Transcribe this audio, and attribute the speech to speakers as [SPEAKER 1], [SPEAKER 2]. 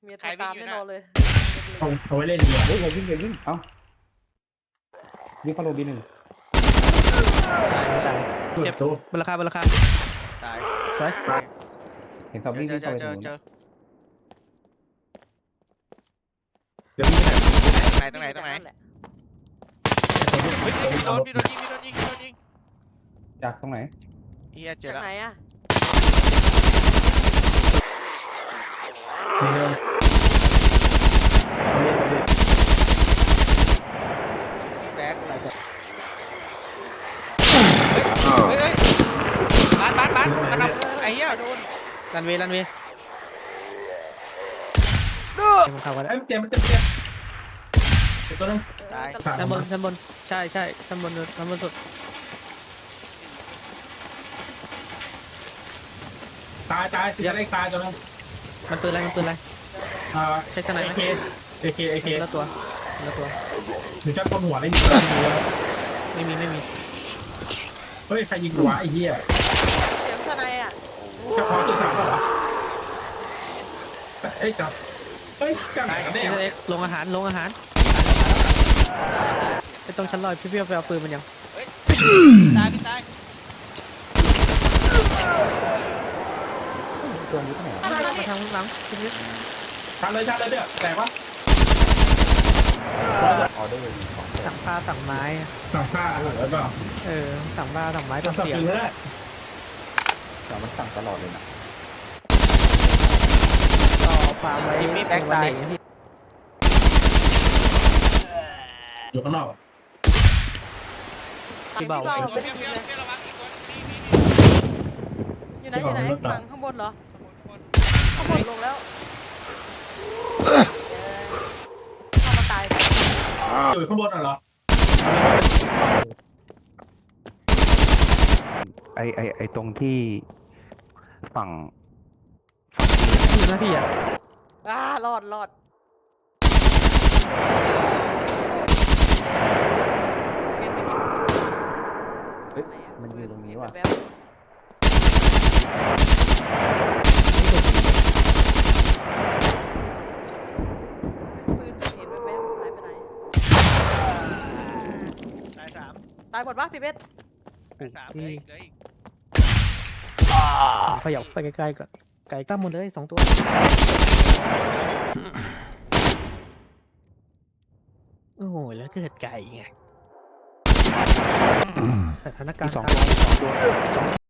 [SPEAKER 1] เมียโทรตามแน่นอนเลย
[SPEAKER 2] เอาไว้เล่นดีกว่า
[SPEAKER 3] เฮ้ยอย่าวิ่งเอ้าวิ่งเข้าโรบีหนึ่ง
[SPEAKER 2] เจ็บตัว
[SPEAKER 4] บนราคา
[SPEAKER 5] ตาย
[SPEAKER 4] สวย
[SPEAKER 3] เห็นซอมบี้วิ่งเข้าไปตรงนู้น
[SPEAKER 5] เจอ
[SPEAKER 2] เดี๋ยวนี้
[SPEAKER 5] ตรงไหน
[SPEAKER 1] แหละ
[SPEAKER 5] พี่โดนยิง
[SPEAKER 3] จากตรงไหน
[SPEAKER 5] เฮียเจอ
[SPEAKER 1] จาก
[SPEAKER 5] แล้ว
[SPEAKER 1] ไหนอะ
[SPEAKER 2] มีเรื่อง
[SPEAKER 5] แบ็คเฮ้ยบ้านมันเอาไอ้เหี้ย
[SPEAKER 1] โดน
[SPEAKER 4] รันเวย์มันเข้ากันแล้ว
[SPEAKER 2] ไอ้เจมเจ็บตัวนึง
[SPEAKER 5] ตาย
[SPEAKER 4] ชั้นบนใช่ชั้นบนสุด
[SPEAKER 2] ตายเสียได้ตายตัวนึง
[SPEAKER 4] มันปืนอะไร ใช่ขนาดไหม
[SPEAKER 2] เอเค
[SPEAKER 4] แล้วตัว
[SPEAKER 2] หรือจะต้นหัวเล่น
[SPEAKER 4] ไม่มี
[SPEAKER 2] เฮ้ยใครยิงหัวไอ้เหี้ย
[SPEAKER 1] เสียงทนายอะ
[SPEAKER 2] เฉพาะตัวสามเหรอเอ้ยจับเฮ้ยจับไหนกันแน่
[SPEAKER 4] เล็กลงอาหารไอ้ตรงชั้นลอยพี่ไปเอาปืนมันยัง
[SPEAKER 5] ตายพี่ตาย
[SPEAKER 3] ตัวนี้ที่ไหน
[SPEAKER 4] มาทางหลังพี่
[SPEAKER 2] ทันเลยเนี่ยแตกวะ
[SPEAKER 3] ออเดอร์ของ
[SPEAKER 4] สั่งปลาสั่งไม้
[SPEAKER 2] สั่งผ้าหรือเปล่า
[SPEAKER 4] สั่งปลาสั่งไม้
[SPEAKER 2] สั่
[SPEAKER 4] สั่
[SPEAKER 2] ง
[SPEAKER 4] งเสียง
[SPEAKER 2] ปืนก็ได้
[SPEAKER 3] แต่มันสั่งตลอดเลยนะ
[SPEAKER 4] ต่อฟาร์มไว้พี่
[SPEAKER 2] อยู่ข้างนอก
[SPEAKER 4] พี่เบา
[SPEAKER 5] ตัว
[SPEAKER 1] เป็น
[SPEAKER 5] เพี้ย
[SPEAKER 1] ทีมเลย
[SPEAKER 5] ระวังอีกคนนี่
[SPEAKER 1] อยู่ไหนฝั่งข้างบนเหรอข้างบนลงแล้วเข้ามาตาย
[SPEAKER 2] อยู่ข้างบนเหรอ
[SPEAKER 3] ไอตรงที่ฝั่ง
[SPEAKER 4] อยู่หน้าที่อ่ะ
[SPEAKER 1] รอดเป็นไปดิ
[SPEAKER 3] เฮ้ยมันอยู่ตรงนี้ว่ะ
[SPEAKER 1] แบบปืนเห็นแบบหายไปไหน
[SPEAKER 5] ตาย3
[SPEAKER 1] ตายหมดปะพี่เบส
[SPEAKER 5] ตาย3เหลืออีก
[SPEAKER 4] ขยับไปไกลๆก่อนไก่กล้ามหมดเลย2 ตัวโอ้โหแล้วเกิดไก่ไงสถานการณ์